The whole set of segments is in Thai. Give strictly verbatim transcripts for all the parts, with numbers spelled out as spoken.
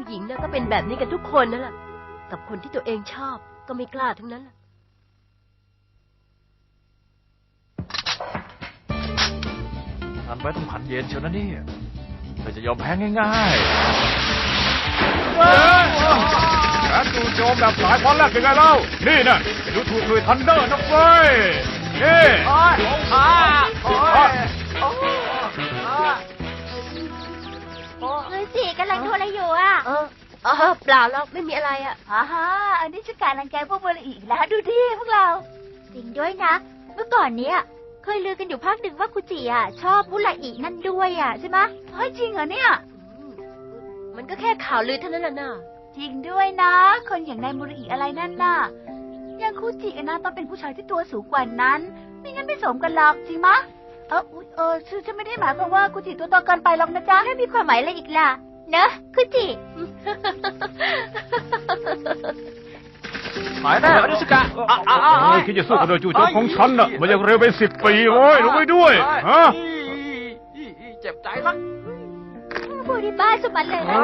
ผู้หญิงนะก็เป็นแบบนี้กันทุกคนนั่นแหละกับคนที่ตัวเองชอบก็ไม่กล้าทั้งนั้นแหละทันไว้ต้องผันเย็นเชียวนะนี่เราจะยอมแพ้ง่ายๆแผนจู่โจมแบบหลายวันแรกยังไงเล่านี่นะไปดูถูกเลยทันเดอร์นะเว้ยนี่โอ้ยขาโอ้ยเฮ้ยสิกำลังโทรอะไรอยู่อ่ะเออเออเปล่าแล้วไม่มีอะไรอ่ะฮ่าฮ่าอันนี้จะการรังแกพวกบุรีอีกแล้วดูดิพวกเรา จริงด้วยนะ เมื่อก่อนเนี้ยเคยลือกันอยู่พักหนึ่งว่าคุจิอ่ะชอบบุรีนั่นด้วยอ่ะใช่ไหมเฮ้ยจริงเหรอเนี่ยมันก็แค่ข่าวลือเท่านั้นแหละน่ะจริงด้วยนะ คนอย่างนายบุรีอะไรนั่นน่ะยังคุจินะต้องเป็นผู้ชายที่ตัวสูงกว่านั้นไม่งั้นไม่สมกันหรอกจริงมะเออเออชื่อฉันไม่ได้หมายความว่าคุจิตัวโตเกินไปหรอกนะจ๊ะให้มีความหมายอะไรอีกล่ะเนอะคุจิหายแน่อนิสกะเฮ้ยคิดจะสู้กับโดยจู่โจมของฉันน่ะมันยังเร็วไปสิบปีโว้ยรู้ไว้ด้วยฮะเจ็บใจนักพูดที่บ้านสมันเลยนะ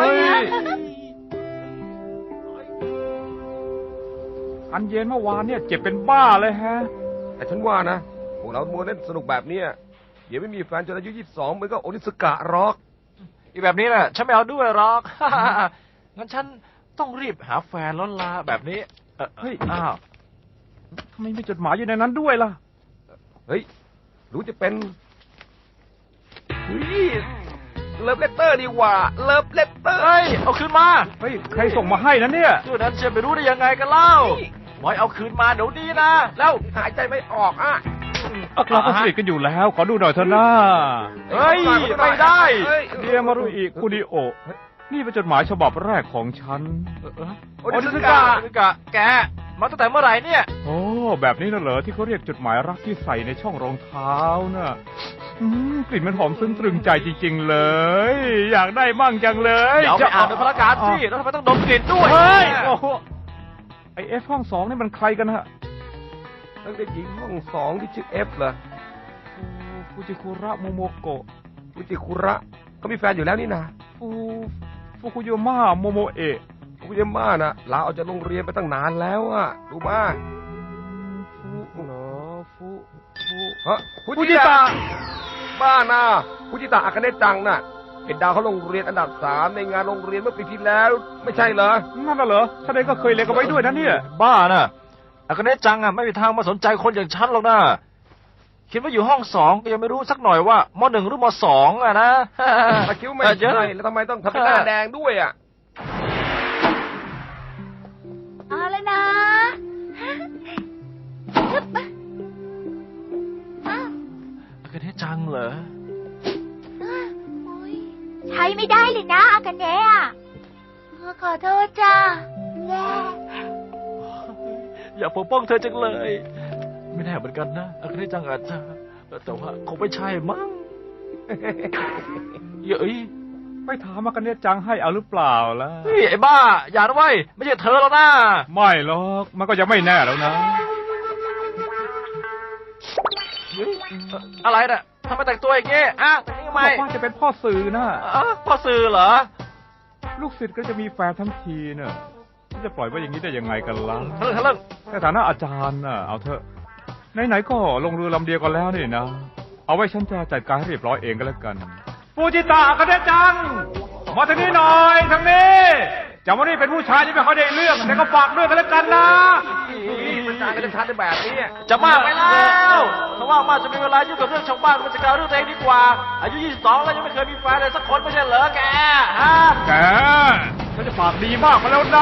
อันเย็นเมื่อวานเนี่ยเจ็บเป็นบ้าเลยฮะแต่ฉันว่านะพวกเรามัวเล่นสนุกแบบเนี้ยเดี๋ยวไม่มีแฟนจนอายุยี่สิบสองเหมือนกับโอนิสกะหรอกอีแบบนี้น่ะฉันไม่เอาด้วยหรอก งั้นฉันต้องรีบหาแฟนแล้วลาแบบนี้เฮ้ยอ้าวทำไมมีจดหมายอยู่ในนั้นด้วยล่ะเฮ้ยรู้จะเป็นเฮ้ยเลิฟเลตเตอร์ดีกว่าเลิฟเลตเตอร์เฮ้ยเอาคืนมาเฮ้ยใครส่งมาให้นะเนี่ยเรื่องนั้นจะไปรู้ได้ยังไงกันเล่าบอยเอาคืนมาเดี๋ยวนี้นะแล้วหายใจไม่ออกอ่ะพวกเราก็สนิทกันอยู่แล้ว ขอดูหน่อยเถอะนะเฮ้ยไม่ได้เดียมารุอิคุนิโอะนี่เป็นจดหมายฉบับแรกของฉันโอนิสกะโอนิสกะแกมาตั้งแต่เมื่อไหร่เนี่ยโอ้แบบนี้น่ะเหรอที่เขาเรียกจดหมายรักที่ใส่ในช่องรองเท้าน่ะอืมกลิ่นมันหอมซึ้งตรึงใจจริงๆเลย อยากได้มั่งจังเลยเดี๋ยวไปอ่านในพระการสิแล้วทำไมต้องดมกลิ่นด้วยเฮ้ยโอ้โหไอเอฟห้องสองนี่มันใครกันฮะตั้งแต่หญิงห้องสองที่ชื่อเอฟเหรอฟูจิคุระโมโมโกะฟูจิคุระเขามีแฟนอยู่แล้วนี่นะฟูฟูคุโยมะโมโมเอะฟูจิม่านะลาออกจากโรงเรียนไปตั้งนานแล้วอ่ะรู้มาฟูเหรอฟูฟูฮะฟูจิตะบ้านะฟูจิตะอากาเนะจังน่ะเป็นดาวเขาโรงเรียนอันดับสามในงานโรงเรียนเมื่อปีที่แล้ว ไม่ใช่เหรอนั่นน่ะเหรอฉันเองก็เคยเรียนกันไว้ด้วยนะเนี่ยบ้าน่ะอากาเนะจังอ่ะไม่มีทางมาสนใจคนอย่างฉันหรอกนะคิดว่าอยู่ห้องสองก็ยังไม่รู้สักหน่อยว่ามหนึ่งหรือมสองอ่ะนะตะคิ้วไม่ใช่แล้วทำไมต้องทำเป็นหน้าแดงด้วยอ่ะเอาเลยนะฮึบอ้าวอากาเนะจังเหรอใช้ไม่ได้เลยนะอากาเนะอ่ะขอโทษจ้าแย่อยากปกป้องเธอจังเลย ไม่แน่เหมือนกันนะอากาเนะจังอาจจะแต่ว่าคงไม่ใช่มั้งเย้ยไปถามมากันเนี่ยจังให้เอาหรือเปล่าล่ะเฮ้ยไอ้บ้าอย่านะเว้ยไม่ใช่เธอแล้วนะไม่หรอกมันก็ยังไม่แน่แล้วนะอะไรน่ะทำไมแต่งตัวอย่างงี้อ่ะแต่งนี้ทำไมบอกว่าจะเป็นพ่อสื่อนะอ๋อพ่อสื่อเหรอลูกศิษย์ก็จะมีแฟนทั้งทีเนอะจะปล่อยไว้อย่างนี้ได้ยังไงกันล่ะทะลึ่งทะลึ่งในฐานะอาจารย์น่ะเอาเถอะไหนๆก็ลงเรือลำเดียวกันแล้วนี่นะเอาไว้ฉันจะจัดการให้เรียบร้อยเองก็แล้วกันฟูจิตะกันเดจังมาทางนี้หน่อยทางนี้จำว่านี่เป็นผู้ชายที่ไม่ค่อยได้เรื่องแต่ก็ฝากด้วยกันแล้วกันนะมันจางกันชัดในแบบนี้จะมากไปแล้วเพราะว่ามากจะมีเวลายุ่งกับเรื่องชาวบ้านมันจะกล่าวเรื่องตัวเองดีกว่า อายุยี่สิบสองแล้วยังไม่เคยมีแฟนเลยสักคนไม่ใช่เหรอแกฮะแกฉันจะปากดีมากมาแล้วนะ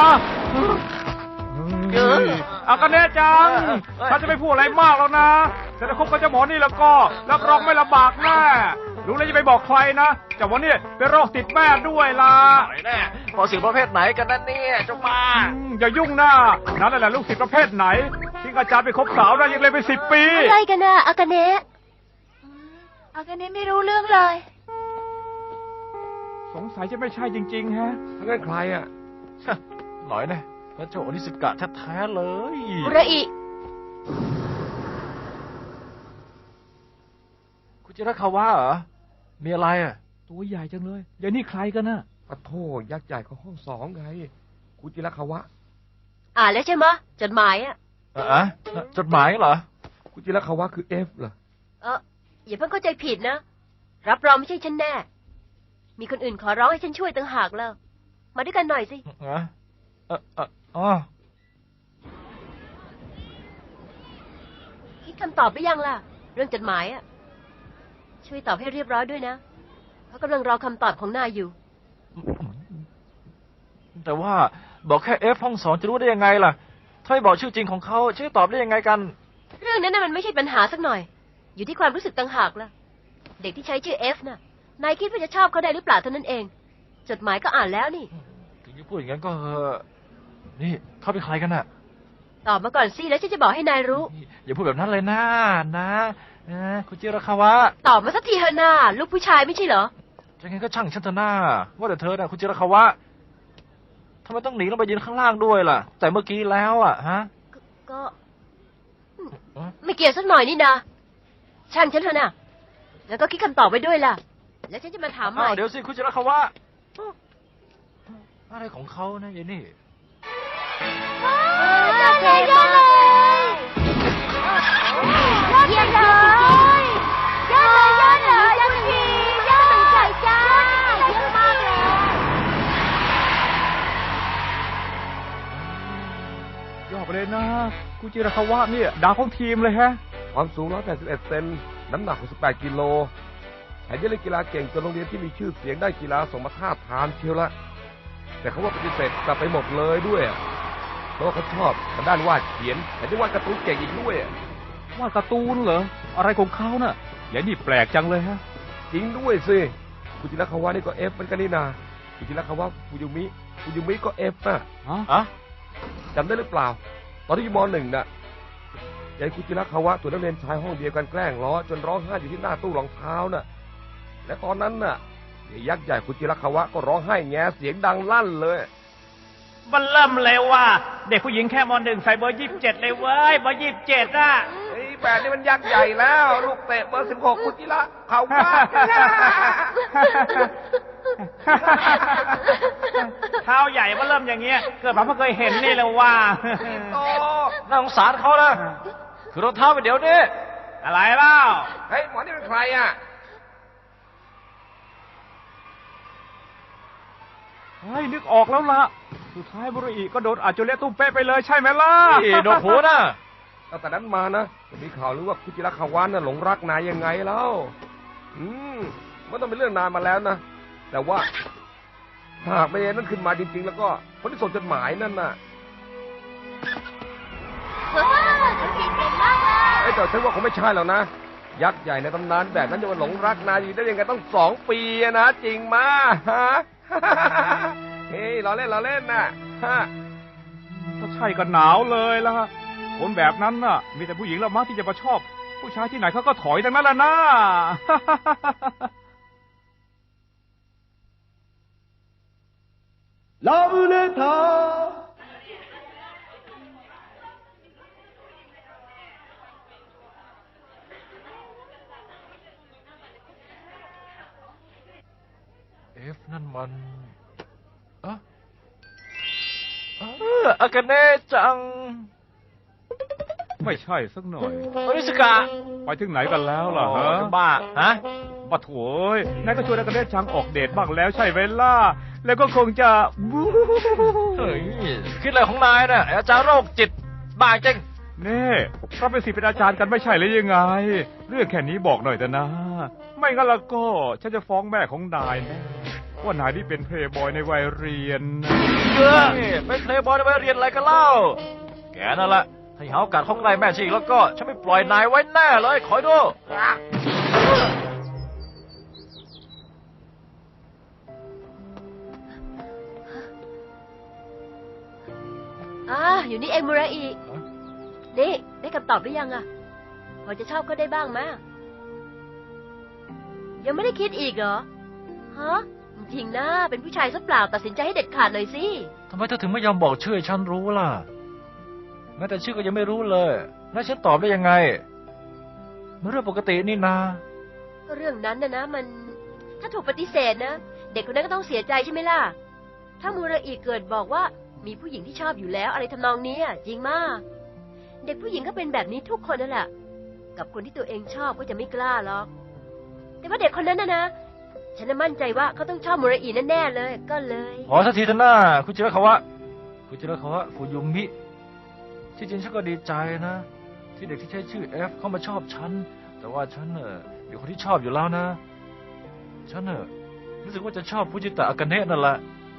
อากันเดจังฉันจะไม่พูดอะไรมากแล้วนะแต่ถ้าคบกับเจ้าหมอนี่แล้วก็รับรองไม่ลำบากแน่รู้แล้วจะไปบอกใครนะเจ้าหมอนี่เป็นโรคติดแม่ด้วยล่ะไหนแน่พอสื่อประเภทไหนกันนั่นเนี่ยเจ้ามาอืมอย่ายุ่งนะนั่นแหละลูกศิษย์ประเภทไหนที่อาจารย์ไปคบสาวได้ยังเลยไปสิบปีอะไรกันน่ะอากาเนะอากาเนะไม่รู้เรื่องเลยสงสัยจะไม่ใช่จริงๆฮะทั้งนั้นใครอ่ะหน่อยแน่พระเจ้าอนิสกะแท้ๆเลยอุระอิคุณจิรคาวะเหรอมีอะไรอ่ะตัวใหญ่จังเลยอย่างนี้ใครกันน่ะฟปะโทยักษ์ใหญ่ของห้องสองไงคุจิระคาวะอ่านแล้วใช่ไหมะจดหมายอ่ะเออจดหมายเหรอคุจิระคาวะคือเอฟเหรอเอออย่าเพิ่งเข้าใจผิดนะ รับรองไม่ใช่ฉันแน่ มีคนอื่นขอร้องให้ฉันช่วยต่างหากแล้ว มาด้วยกันหน่อยสิเออเออเอออ๋อคิดคำตอบหรือยังล่ะ เรื่องจดหมายอ่ะ ช่วยตอบให้เรียบร้อยด้วยนะเขากำลังรอคำตอบของนายอยู่แต่ว่าบอกแค่เอฟห้องสองจะรู้ได้ยังไงล่ะ ถ้าไม่บอกชื่อจริงของเขาชื่อตอบได้ยังไงกันเรื่องนั้นน่ะมันไม่ใช่ปัญหาสักหน่อย อยู่ที่ความรู้สึกต่างหากล่ะ เด็กที่ใช้ชื่อเอฟน่ะ นายคิดว่าจะชอบเขาได้หรือเปล่าเท่านั้นเอง จดหมายก็อ่านแล้วนี่ถึงจะพูดอย่างนั้นก็เถอะนี่เขาเป็นใครกันน่ะตอบมาก่อนสิแล้วฉันจะบอกให้นายรู้นี่อย่าพูดแบบนั้นเลยนะนะนะคุณจิรคาวะตอบมาสักทีเถอะนาลูกผู้ชายไม่ใช่เหรอยังไงก็ช่างฉันเถอะหน้าว่าแต่เธอน่ะคุณจิรคาวะทำไมต้องหนีลงไปยืนข้างล่างด้วยล่ะ แต่เมื่อกี้แล้วอ่ะฮะก็ก็อืมไม่เกี่ยวสักหน่อยนี่นะช่างฉันเถอะนะแล้วก็คิดคำตอบไว้ด้วยล่ะ แล้วฉันจะมาถามใหม่อ้าวเดี๋ยวสิคุณจิรคาวะอะไรของเขานะยายนี่ยอดเลยยอดเลยยอดเลยยอดเลยยอดเลยยอดทียอดตั้งใจจ้าเยอะมากเลยยอดไปเลยนะกูจิรคาวะเนี่ยดาวของทีมเลยฮะความสูงหนึ่งร้อยแปดสิบเอ็ดเซนน้ำหนักหกสิบแปดกิโลแถมยังเล่นกีฬาเก่งจนโรงเรียนที่มีชื่อเสียงได้กีฬาส่งมาท้าทามเชียวละแต่เขาว่าปฏิเสธกลับไปหมดเลยด้วยเพราะว่าเขาชอบทางด้านวาดเขียนแถมยังวาดการ์ตูนเก่งอีกด้วยวาดการ์ตูนเหรอ อะไรของเขาน่ะอย่างนี้แปลกจังเลยฮะจริงด้วยสิฟูจิระคาวะนี่ก็เอฟเหมือนกันนี่นาฟูจิระคาวะฟูยุมิฟูยุมิก็เอฟนะฮะอะจำได้หรือเปล่า ตอนที่อยู่มหนึ่งน่ะยายฟูจิระคาวะตัวนักเรียนชายห้องเดียวกันแกล้งล้อจนร้องไห้อยู่ที่หน้าตู้รองเท้าน่ะและตอนนั้นน่ะยายยักษ์ใหญ่ฟูจิระคาวะก็ร้องไห้แงเสียงดังลั่นเลยมันเริ่มเลยว่า เด็กผู้หญิงแค่มหนึ่งใส่เบอร์ยี่สิบเจ็ดเลยเว้ยเบอร์ยี่สิบเจ็ดอ่ะไอ้แบบนี้มันยักษ์ใหญ่แล้ว ลูกเตะเบอร์สิบหกฟูจิระคาวะเท้าใหญ่มันเริ่มอย่างเงี้ยเกิดมาเพิ่งเคยเห็นนี่เลยว่าโตน่าสงสารเขานะคือรองเท้าไปเดี๋ยวนี้อะไรเล่าเฮ้ยหมอนี่เป็นใครอ่ะเฮ้ยนึกออกแล้วล่ะ สุดท้ายบุรุษก็โดนอาจจะเละตุ้มเป๊ะไปเลยใช่ไหมล่ะนี่โดนหูนะตั้งแต่นั้นมานะมีข่าวหรือว่าฟูจิระคาวะน่ะหลงรักนายยังไงแล้ว อืมมันต้องเป็นเรื่องนานมาแล้วนะ แต่ว่าถ้าหากไม่ได้นั่นขึ้นมาจริงๆ แล้วก็คนที่ส่งจดหมายนั่นน่ะว้าวเก่งมากเลยไอ้ยแต่ฉันว่าคงไม่ใช่แล้วนะ ยักษ์ใหญ่ในตำนานแบบนั้นจะมาหลงรักนายอยู่ได้ยังไงต้องสองปีอะนะ จริงมาฮะ เฮ้ยเราเล่นเราเล่นน่ะฮะถ้าใช่ก็หนาวเลยล่ะคนแบบนั้นน่ะ มีแต่ผู้หญิงละมั้งที่จะมาชอบ ผู้ชายที่ไหนเขาก็ถอยทั้งนั้นแหละนะเอฟนั่นมันอะเอออากาเน่จังไม่ใช่สักหน่อยโอนิสกะไปถึงไหนกันแล้วล่ะฮะโอ้บ้าฮะปะโถยนายก็ชวนนายกระเด็นชังออกเดทบ้างแล้วใช่ไหมล่ะ แล้วก็คงจะ บู๊เฮ้ยคิดอะไรของนายน่ะไอ้อาจารย์โรคจิตบ้าจริงนี่เราเป็นศิษย์เป็นอาจารย์กันไม่ใช่หรือยังไง เรื่องแค่นี้บอกหน่อยแต่นะ ไม่งั้นแล้วก็ฉันจะฟ้องแม่ของนายแนะว่านายนี่เป็นเพลย์บอยในวัยเรียนนะเออนี่เป็นเพลย์บอยไปเรียนอะไรกันเล่า แกนั่นแหละถ้าหาโอกาสเข้าใกล้แม่ชีอีกแล้วก็ฉันไม่ปล่อยนายไว้แน่เลยคอยดูอ่าอยู่นี่เองมูราอินี่ได้คำตอบหรือยังอะพอจะชอบก็ได้บ้างมะยังไม่ได้คิดอีกเหรอ ฮะ จริงๆนะเป็นผู้ชายซะเปล่าตัดสินใจให้เด็ดขาดหน่อยสิทำไมเธอถึงไม่ยอมบอกชื่อให้ฉันรู้ล่ะแม้แต่ชื่อก็ยังไม่รู้เลยแล้วฉันตอบได้ยังไงมันเรื่องปกตินี่นาก็เรื่องนั้นนะนะมัน ถ้าถูกปฏิเสธนะเด็กคนนั้นก็ต้องเสียใจใช่ไหมล่ะ ถ้ามูราอิเกิดบอกว่ามีผู้หญิงที่ชอบอยู่แล้วอะไรทำนองนี้จริงมาก เด็กผู้หญิงก็เป็นแบบนี้ทุกคนนั่นแหละ กับคนที่ตัวเองชอบก็จะไม่กล้าหรอก แต่ว่าเด็กคนนั้นนะนะ ฉันน่ะมั่นใจว่าเขาต้องชอบมูราอิแน่ๆเลย ก็เลยขอสักทีเถอะนะคุณจิระคาวะคุณจิระคาวะฟูยุมิที่จริงฉันก็ดีใจนะ ที่เด็กที่ใช้ชื่อเอฟเข้ามาชอบฉัน แต่ว่าฉันเน่ะมีคนที่ชอบอยู่แล้วนะ ฉันเน่ะรู้สึกว่าจะชอบฟูจิตะอากาเนะนั่นแหละ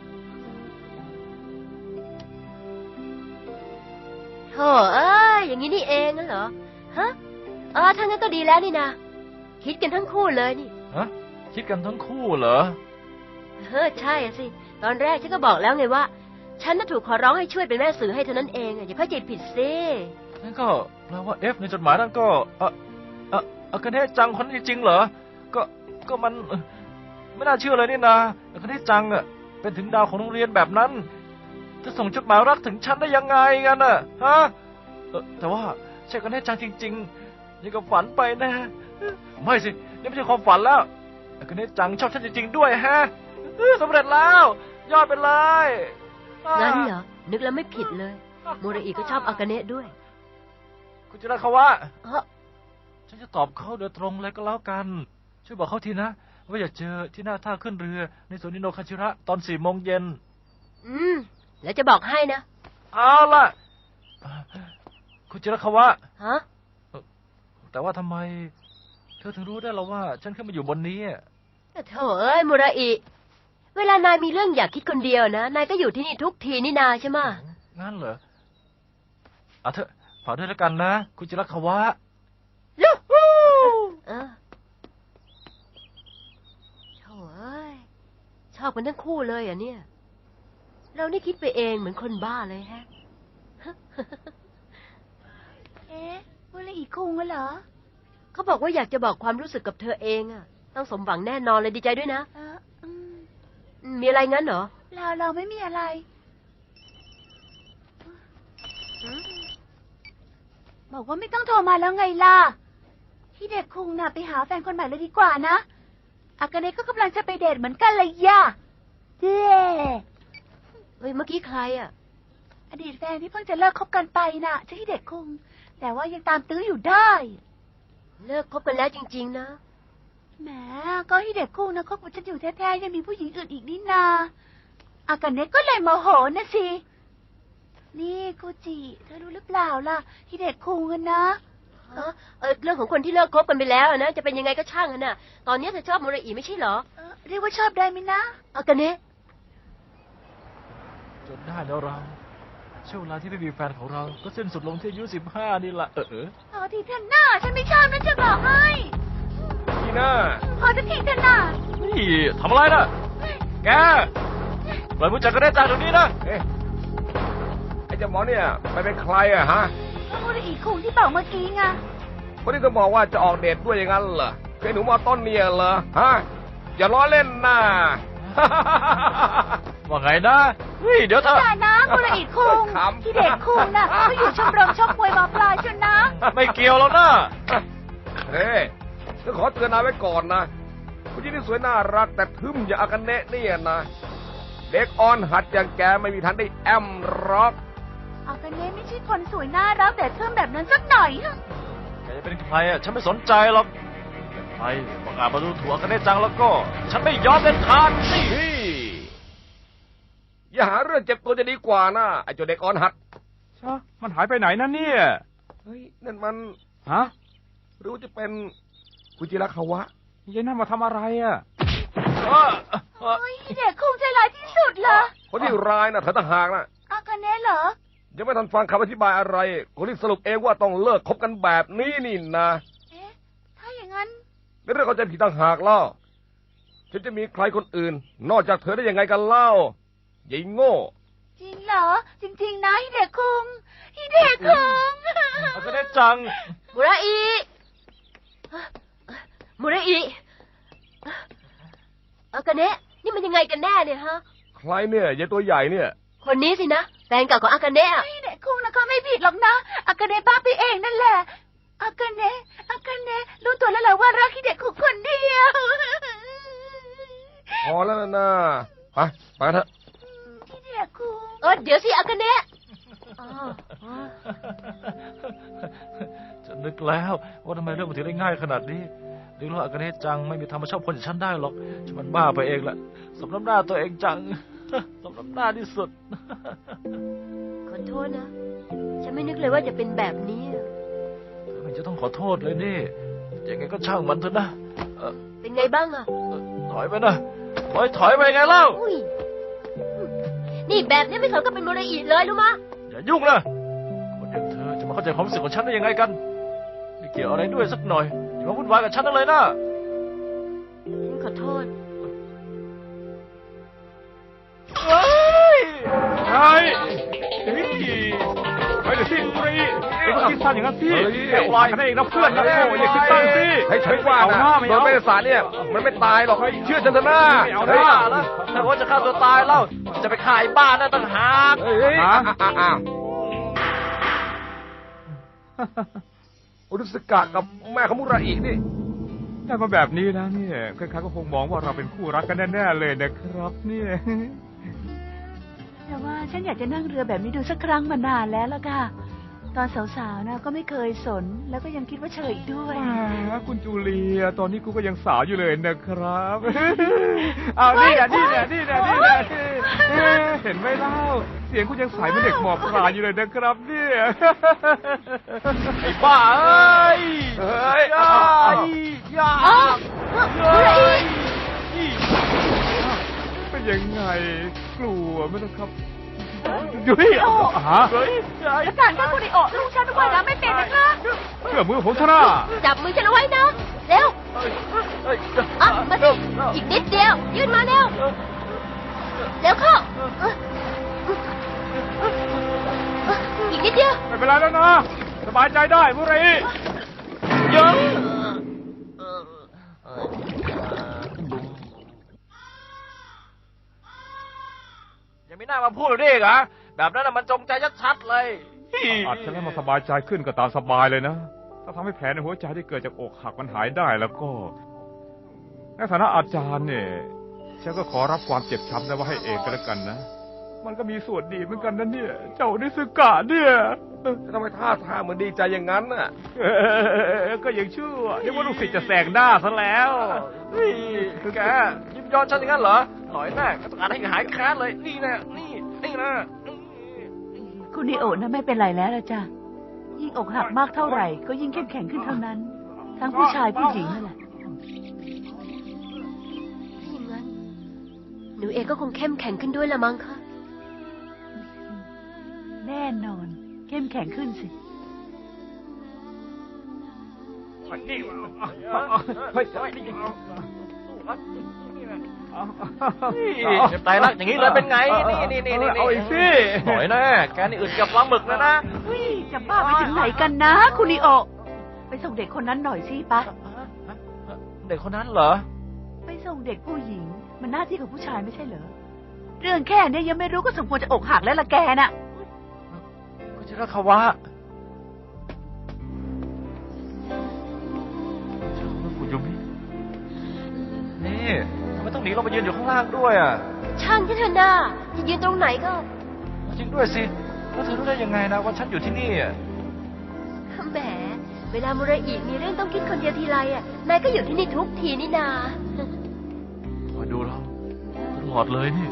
โธ่เอ้ยอย่างนี้นี่เองงั้นเหรอ ฮะเออถ้างั้นก็ดีแล้วนี่นะ คิดกันทั้งคู่เลยนี่ฮะคิดกันทั้งคู่เหรอเฮ้อใช่อะสิ ตอนแรกฉันก็บอกแล้วไงว่า ฉันน่ะถูกขอร้องให้ช่วยเป็นแม่สื่อให้เท่านั้นเองอะอย่าเข้าใจผิดสินั่นก็แปลว่าเอฟในจดหมายนั่นก็เออเอออากาเนะจังคนนี้จริงเหรอ ก็ก็มันเอ่อไม่น่าเชื่อเลยนี่นะอากาเนะจังอ่ะเป็นถึงดาวของโรงเรียนแบบนั้นจะส่งจดหมายรักถึงฉันได้ยังไงกันน่ะฮะเออแต่ว่าใช่อากาเนะจังจริงๆยังกับฝันไปนะไม่สินี่ไม่ใช่ความฝันแล้วอากาเนะจังชอบฉันจริงๆด้วยฮะเออสำเร็จแล้วยอดไปเลยอ่างั้นเหรอ นึกแล้วไม่ผิดเลย มูราอิก็ชอบอากาเนะด้วยคุณจิระคาวะเออฉันจะตอบเขาโดยตรงเลยก็แล้วกัน ช่วยบอกเขาทีนะ ว่าอยากเจอที่หน้าท่าขึ้นเรือ ในสวนนิโนคาชิระตอนสี่โมงเย็นอืม แล้วจะบอกให้นะเอาล่ะ คุณจิรคาวะฮะแต่ว่าทำไม เธอถึงรู้ได้แล้วว่า ฉันขึ้นมาอยู่บนนี้อะแต่โถเอ้ยมูราอิ เวลานายมีเรื่องอยากคิดคนเดียวนะ นายก็อยู่ที่นี่ทุกทีนี่นาใช่ไหมะงั้นเหรอเอาเถอะฝากด้วยแล้วกันนะ คุณจิรคาวะยูฮูเออโถเอ้ย ชอบกันทั้งคู่เลยอ่ะเนี่ย เรานี่คิดไปเองเหมือนคนบ้าเลยฮะเอ๊ะมูราอิคุงเหรอเขาบอกว่าอยากจะบอกความรู้สึกกับเธอเองอ่ะ ต้องสมหวังแน่นอนเลยดีใจด้วยนะเอออืมอืมมีอะไรงั้นเหรอเราเราไม่มีอะไรอืมบอกว่าไม่ต้องโทรมาแล้วไงล่ะที่เด็กคุงน่ะไปหาแฟนคนใหม่เลยดีกว่านะอากาเนะก็กำลังจะไปเดทเหมือนกันเลยย่ะเจ้เฮ้ยเมื่อกี้ใครอ่ะอดีตแฟนที่เพิ่งจะเลิกคบกันไปน่ะชื่อฮิเดะคุงแต่ว่ายังตามตื้ออยู่ได้เลิกคบกันแล้วจริง ๆ นะแหมก็ฮิเดะคุงนะคบกับฉันอยู่แท้ๆยังมีผู้หญิงอื่นอีกนี่นาอากาเนะก็เลยโมโหนะสินี่กูจิเธอรู้หรือเปล่าล่ะฮิเดะคุงกันนะเออเออเรื่องของคนที่เลิกคบกันไปแล้วอะนะจะเป็นยังไงก็ช่างอะนะตอนนี้เธอชอบมูราอิไม่ใช่เหรอเออเรียกว่าชอบได้ไหมนะอากาเนะจนได้แล้วเราช่วงเวลาที่ไม่มีแฟนของเรา ก็สิ้นสุดลงที่อายุสิบห้านี่แหละ เออเออพอทีเถอะหน้าฉันไม่ชอบนะจะบอกให้นี่นะพอจะทีเถอะหน้านี่ทำอะไรนะแกปล่อยมือจากกระเด็นจากตรงนี้นะเอ๊ะไอ้เจ้าหมอเนี่ยไปเป็นใครอะฮะก็มูราอิคุงที่บอกเมื่อกี้ไงคนที่เธอบอกว่าจะออกเดทด้วยอย่างนั้นเหรอเคยหนูมอต้นเนี่ยเหรอฮะอย่าล้อเล่นนะว่าไงนะเฮ้ยเดี๋ยวเธอแต่นะมูราอิคุงขำที่เด็กคุงน่ะเขาอยู่ชมรมชกมวยมาปลายชนนะไม่เกี่ยวแล้วนะเฮ้ยฉันขอเตือนนายไว้ก่อนนะผู้หญิงที่สวยน่ารักแต่ทึมอย่างอากาเนะเนี่ยนะ เด็กอ่อนหัดอย่างแกไม่มีทางได้แอมร็อกอากาเนะไม่ใช่คนสวยน่ารักแต่เทิมแบบนั้นสักหน่อยฮะแกจะเป็นใครอ่ะ ฉันไม่สนใจหรอกแต่ใครบอกอาจมาดูถูกกันได้จังแล้วก็ ฉันไม่ยอมเด็ดขาดสินี่อย่าหาเรื่องเจ็บตัวจะดีกว่านะไอ้เจ้าเด็กอ่อนหัดชะมันหายไปไหนนั่นเนี่ยเฮ้ยนั่นมันฮะหรือว่าจะเป็นคุจิระคาวะยายนั่นมาทำอะไรอ่ะเออเออโอ้ยเด็กคุงใจร้ายที่สุดเลยคนที่ร้ายนะเธอต่างหากนะอากาเนะเหรอยังไม่ทันฟังคำอธิบายอะไรคนที่สรุปเองว่าต้องเลิกคบกันแบบนี้นี่นะเอ๊ะ ถ้าอย่างนั้นในเรื่องเข้าใจผิดต่างหากเล่าฉันจะมีใครคนอื่น นอกจากเธอได้ยังไงกันเล่าใหญ่โง่จริงเหรอ จริง ๆ นะฮิเดะคุงฮิเดะคุงเอาก็ได้จังมูราอิมูราอิอากาเนะนี่มันยังไงกันแน่เนี่ยฮะใครเนี่ยยายตัวใหญ่เนี่ยคนนี้สินะแฟนเก่าของอากาเนะอะฮิเดะคุงนะเขาไม่ผิดหรอกนะ อากาเนะบ้าไปเองนั่นแหละ อากาเนะอากาเนะรู้ตัวแล้วเหรอว่ารักฮิเดะคุงคนเดียวพอแล้วนะไปไปเถอะเนี่ยครูเออเดี๋ยวสิอากาเนะอ๋ออ๋อฉันนึกแล้วว่าทำไมเรื่องมันถึงได้ง่ายขนาดนี้นึกว่าอากาเนะจังไม่มีทางมาชอบคนอย่างฉันได้หรอกฉันมันบ้าไปเองแหละสมน้ำหน้าตัวเองจัง สมน้ำหน้าที่สุดขอโทษนะ ฉันไม่นึกเลยว่าจะเป็นแบบนี้เธอไม่จะต้องขอโทษเลยนี่ยังไงก็ช่างมันเถอะนะเอ่อเป็นไงบ้างอะเอ่อถอยไปนะถอยถอยไปไงเล่าอุ้ยนี่แบบนี้ไม่สมกับเป็นโมเดอีเลยรู้มะอย่ายุ่งนะคนอย่างเธอจะมาเข้าใจความรู้สึกของฉันได้ยังไงกันไม่เกี่ยวอะไรด้วยสักหน่อยอย่ามาวุ่นวายกับฉันนั่นเลยนะขอโทษเฮ้ยเฮ้ยเฮ้ยเฮ้ยเดี๋ยวสิบุรีเอ็งคิดสั้นอย่างนั้นสิแค่วายกันเองนะเพื่อนนะโอ้ยอย่าคิดสั้นสิให้ฉันว่าเอานะหน้าไม่โดนเอาเมษาเนี่ยมันไม่ตายหรอกเชื่อฉันเถอะนะไม่เอาเฮ้ยหน้าแล้วถ้าว่าจะฆ่าตัวตายเล่าจะไปขายบ้านนั่นต่างหากเฮ้ยเฮ้ยฮะอ่ะอ่ะอ่ะโอรุสกะกับแม่ของมุราอินี่ได้มาแบบนี้นะเนี่ยใครๆก็คงมองว่าเราเป็นคู่รักกันแน่ๆเลยนะครับเนี่ยแต่ว่าฉันอยากจะนั่งเรือแบบนี้ดูสักครั้งมานานแล้วล่ะค่ะ ตอนสาวๆนะก็ไม่เคยสน แล้วก็ยังคิดว่าเฉยอีกด้วยแหมคุณจูเลีย ตอนนี้กูก็ยังสาวอยู่เลยนะครับ เอานี่แหละนี่แหละนี่แหละนี่แหละเอ๊ะเห็นไหมเล่า เสียงคุณยังใสเหมือนเด็กหมอบปลายอยู่เลยนะครับเนี่ยไอ้บ้าเอ้ยเฮ้ยอย่าอย่าอ๋อเฮ้ยเป็นยังไง กลัวไหมนะครับยุ้ยเอาฮะเฮ้ยอาจารย์ก็คุณไอโอลูกฉันว่ายน้ำไม่เป็นนะคะเชื่อมือผมเถอะนะจับมือฉันเอาไว้นะ เร็วเฮ้ยอ่ะมาสิ อีกนิดเดียว ยื่นมาเร็ว เร็วเข้าเอออีกนิดเดียวไม่เป็นไรแล้วนะ สบายใจได้บุรีเยอะยังไม่น่ามาพูดด้วยอีกเหรอแบบนั้นน่ะมันจงใจชัดๆเลยอาจจะให้มาสบายใจขึ้นก็ตามสบายเลยนะ ถ้าทำให้แผลในหัวใจที่เกิดจากอกหักมันหายได้แล้วก็ ในฐานะอาจารย์เนี่ย ฉันก็ขอรับความเจ็บช้ำได้ว่าให้เองก็แล้วกันนะ มันก็มีส่วนดีเหมือนกันนะเนี่ย เจ้านิสกะเนี่ยทำไมท่าทางเหมือนดีใจอย่างนั้นน่ะเออก็ยังชั่วนึกว่าลูกศิษย์จะแสงหน้าซะแล้วนี่แกยิ้มย้อนฉันอย่างนั้นเหรอหน่อยแน่ก็ต้องการให้หายแค้นเลย นี่แน่นี่นี่นะคุณไอโอนะไม่เป็นไรแล้วละจ้ะ ยิ่งอกหักมากเท่าไหร่ ก็ยิ่งเข้มแข็งขึ้นเท่านั้น ทั้งผู้ชายผู้หญิงนั่นแหละถ้าอย่างนั้น หนูเองก็คงเข้มแข็งขึ้นด้วยละมั้งคะแน่นอน เข้มแข็งขึ้นสินี่เฮ้ยนี่ตายรักอย่างนี้เลยเป็นไง นี่นี่นี่นี่เอาอีกสิหน่อยแน่แกนี่อึดกับปลาหมึกนะนะจะบ้าไปถึงไหนกันนะ คุณไอโอ ไปส่งเด็กคนนั้นหน่อยสิปะเด็กคนนั้นเหรอไปส่งเด็กผู้หญิง มันหน้าที่ของผู้ชายไม่ใช่เหรอ เรื่องแค่เนี้ยยังไม่รู้ก็สมควรจะอกหักแล้วละแกน่ะก็จะรักเขาวะคุณยูมินี่ทำไมต้องหนีลงไปยืนอยู่ข้างล่างด้วยอ่ะช่างที่เธอหน้าจะยืนตรงไหนก็จริงด้วยสิแล้วเธอรู้ได้ยังไงนะว่าฉันอยู่ที่นี่อ่ะแหม เวลามุระอิมีเรื่องต้องคิดคนเดียวทีไรอ่ะ นายก็อยู่ที่นี่ทุกทีนี่นาคอยดูเราตลอดเลยนี่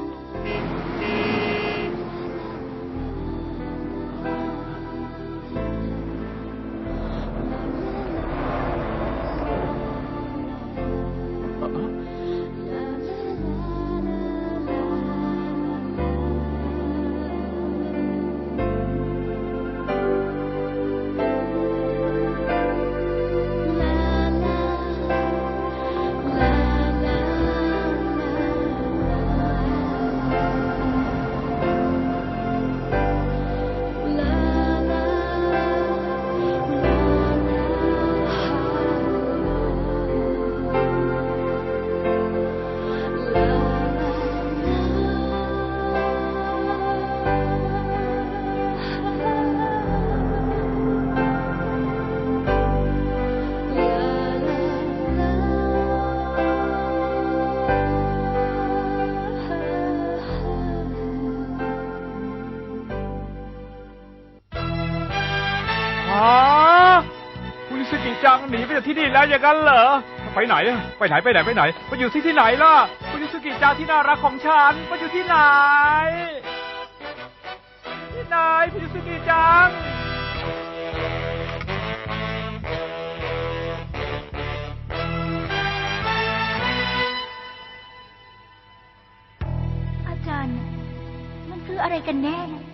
สกิจังหนีไปจากที่นี่แล้วอย่างนั้นเหรอไปไหนอะไปไหนไปไหนไปไหนไปอยู่ที่ที่ไหนล่ะฟูจิสกิจังที่น่ารักของฉันไปอยู่ที่ไหนที่ไหนฟูจิสกิจังอาจารย์ มันคืออะไรกันแน่นะ